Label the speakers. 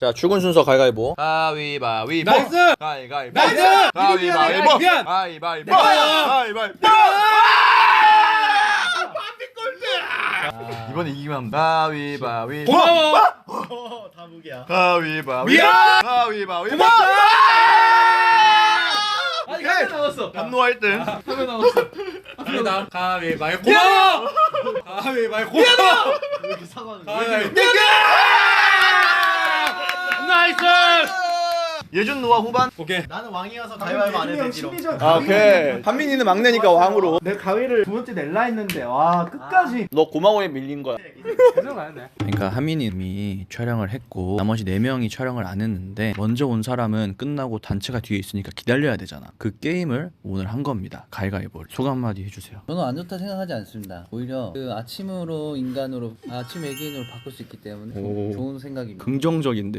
Speaker 1: 자, 출근 순서 가위바위보. 가위바위보.
Speaker 2: 나이스!
Speaker 1: 가위바위보.
Speaker 2: 나이스!
Speaker 1: 가위바위보.
Speaker 2: 미안!
Speaker 1: 가위바위보.
Speaker 2: 미안!
Speaker 1: 가위바위보. 이번에 이기면 합니다. 가위바위보.
Speaker 2: 고마워! 다 무기야.
Speaker 1: 가위바위보.
Speaker 2: 미안!
Speaker 1: 가위바위보.
Speaker 2: 아니 한명 남았어.
Speaker 1: 분노 1등.
Speaker 2: 한명 남았어. 갑니다. 가위바위보. 고마워! 가위바위보. 고마워! 왜 이렇게 사과하는 거야? 가위바위보. 나이스!
Speaker 1: 예준 누가 후반?
Speaker 2: 오케이.
Speaker 3: 나는 왕이어서 가위바위보 안 해도 되지롱.
Speaker 1: 아, 오케이. 한민이는 막내니까 왕으로.
Speaker 3: 내 가위를 두 번째 낼라 했는데 와 끝까지.
Speaker 1: 너 고마워에 밀린 거야.
Speaker 2: 계속 가야 돼.
Speaker 4: 그러니까 하민님이 촬영을 했고 나머지 4명이 촬영을 안 했는데 먼저 온 사람은 끝나고 단체가 뒤에 있으니까 기다려야 되잖아. 그 게임을 오늘 한 겁니다. 가위바위보를. 소감 한마디 해주세요.
Speaker 5: 저는 안 좋다 생각하지 않습니다. 오히려 그 아침으로 인간으로 아침 외계인으로 바꿀 수 있기 때문에
Speaker 4: 오.
Speaker 5: 좋은 생각입니다.
Speaker 4: 긍정적인데